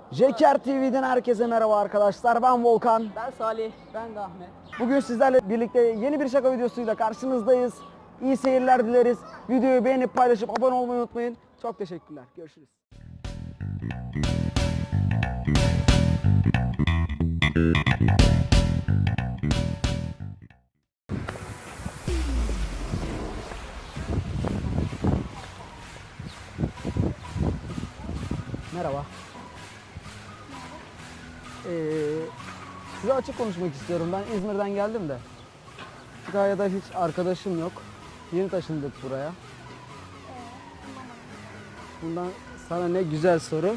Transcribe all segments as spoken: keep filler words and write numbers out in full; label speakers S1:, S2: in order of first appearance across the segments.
S1: Jeker T V'den herkese merhaba arkadaşlar. Ben Volkan.
S2: Ben Salih. Ben de Ahmet.
S1: Bugün sizlerle birlikte yeni bir şaka videosuyla karşınızdayız. İyi seyirler dileriz. Videoyu beğenip paylaşıp abone olmayı unutmayın. Çok teşekkürler. Görüşürüz. Merhaba. Ee, size açık konuşmak istiyorum. Ben İzmir'den geldim de. Kütahya'da hiç arkadaşım yok. Yeni taşındık buraya. Bundan sana ne güzel soru.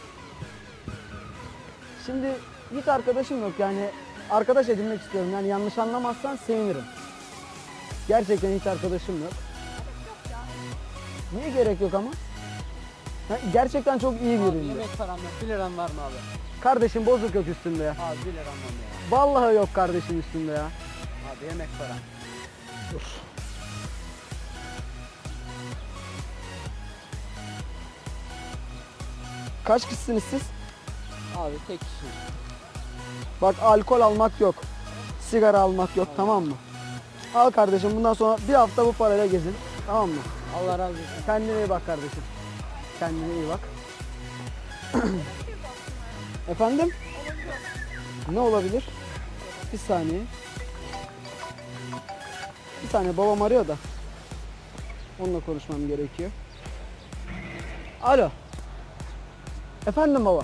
S1: Şimdi hiç arkadaşım yok, yani arkadaş edinmek istiyorum. Yani yanlış anlamazsan sevinirim. Gerçekten hiç arkadaşım yok. Niye gerek yok ama? Ha, gerçekten çok iyi
S2: Abi
S1: biriyim.
S2: yemek param yok. bir liran var mı abi?
S1: Kardeşim bozuk yok üstünde ya.
S2: Abi bir liram var mı ya?
S1: Vallahi yok kardeşim üstünde ya.
S2: Abi yemek param.
S1: Dur. Kaç kişisiniz siz?
S2: Abi tek kişi.
S1: Bak, alkol almak yok. Sigara almak yok, tamam mı? Al kardeşim, bundan sonra bir hafta bu parayla gezin. Tamam mı?
S2: Allah razı olsun.
S1: Kendine iyi bak kardeşim. Kendine iyi bak. Efendim? Ne olabilir? Bir saniye. Bir saniye, babam arıyor da. Onunla konuşmam gerekiyor. Alo. Efendim baba.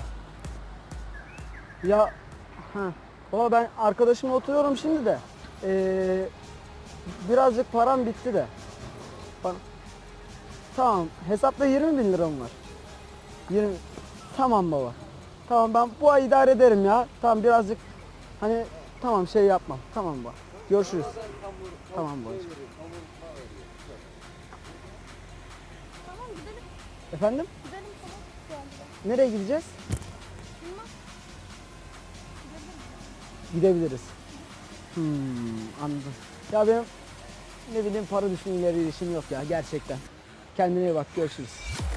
S1: Ya ha. Baba, ben arkadaşımla oturuyorum şimdi de. Ee, birazcık param bitti de. Bana... Tamam. Hesapta yirmi bin liram var. yirmi. Tamam baba. Tamam, ben bu ay idare ederim ya. Tamam, birazcık hani tamam şey yapmam. Tamam baba. Görüşürüz. Tamam babacığım.
S3: Tamam gidelim.
S1: Efendim?
S3: Gidelim tamam. Şu anda.
S1: Nereye gideceğiz?
S3: Bilmem.
S1: Gidebiliriz. Hmm, anladım. Ya benim ne bileyim para düşünceleri işim yok ya gerçekten. Kendine iyi bak, görüşürüz.